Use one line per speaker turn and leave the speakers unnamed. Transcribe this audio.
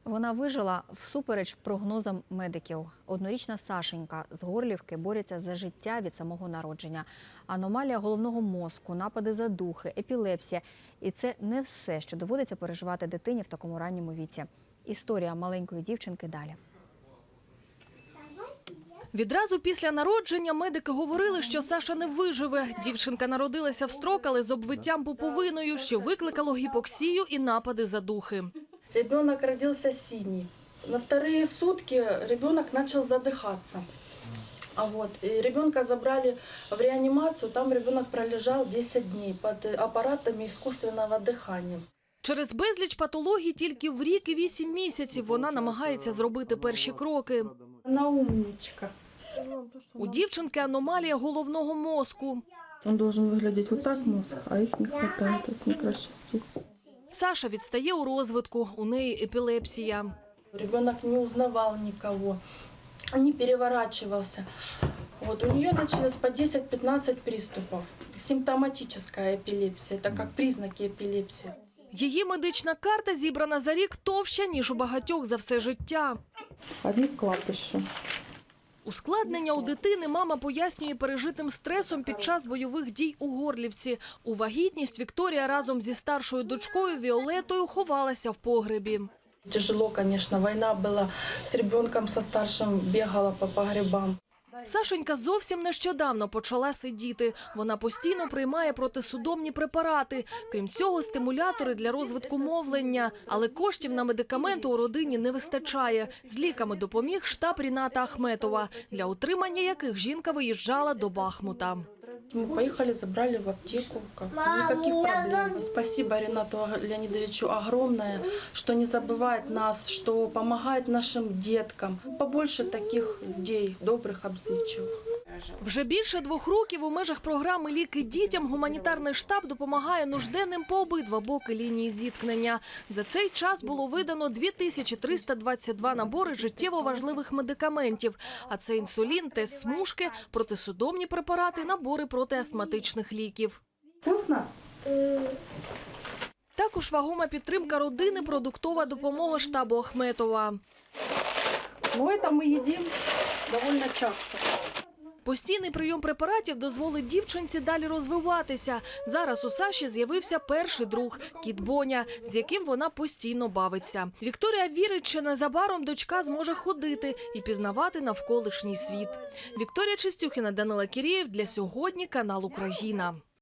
Вона вижила всупереч прогнозам медиків. Однорічна Сашенька з Горлівки бореться за життя від самого народження. Аномалія головного мозку, напади задухи, епілепсія. І це не все, що доводиться переживати дитині в такому ранньому віці. Історія маленької дівчинки далі.
Відразу після народження медики говорили, що Саша не виживе. Дівчинка народилася в строк, але з обвиттям пуповиною, що викликало гіпоксію і напади задухи.
Ребенок родился синий. На вторые сутки ребенок начал задыхаться. И ребенка забрали в реанимацию, там ребенок пролежал 10 дней под аппаратами искусственного дыхания.
Через безліч патологій тільки в рік і 8 місяців вона намагається зробити перші кроки.
Она умничка.
У дівчинки аномалія головного мозку.
Он должен выглядеть вот так мозг, а их не хватает от микрочастиц.
Саша відстає у розвитку, у неї епілепсія.
Ребенок не узнавал никого, не переворачивался. У нее началось по 10-15 приступов. Симптоматическая эпилепсия, это как признаки эпилепсии.
Її медична карта зібрана за рік товща, ніж у багатьох за все життя.
Одни вкладыши.
Ускладнення у дитини мама пояснює пережитим стресом під час бойових дій у Горлівці. У вагітність Вікторія разом зі старшою дочкою Віолетою ховалася в погребі.
Тяжело, конечно, война была, с ребенком, со старшим бегала по погребам.
Сашенька зовсім нещодавно почала сидіти. Вона постійно приймає протисудомні препарати. Крім цього, стимулятори для розвитку мовлення. Але коштів на медикаменти у родині не вистачає. З ліками допоміг штаб Ріната Ахметова, для утримання яких жінка виїжджала до Бахмута.
Мы поехали, забрали в аптеку. Никаких проблем. Спасибо Ринату Леонидовичу огромное, что не забывает нас, что помогает нашим деткам. Побольше таких людей, добрых, обзывчивых.
Вже більше 2 років у межах програми «Ліки дітям» гуманітарний штаб допомагає нужденним по обидва боки лінії зіткнення. За цей час було видано 2322 набори життєво важливих медикаментів. А це інсулін, тест-смужки, протисудомні препарати, набори протиастматичних ліків.
Вкусно?
Також вагома підтримка родини, продуктова допомога штабу Ахметова.
Это мы едим довольно часто.
Постійний прийом препаратів дозволить дівчинці далі розвиватися. Зараз у Саші з'явився перший друг – кіт Боня, з яким вона постійно бавиться. Вікторія вірить, що незабаром дочка зможе ходити і пізнавати навколишній світ. Вікторія Чистюхіна, Данила Кірєєв. Для сьогодні канал «Україна».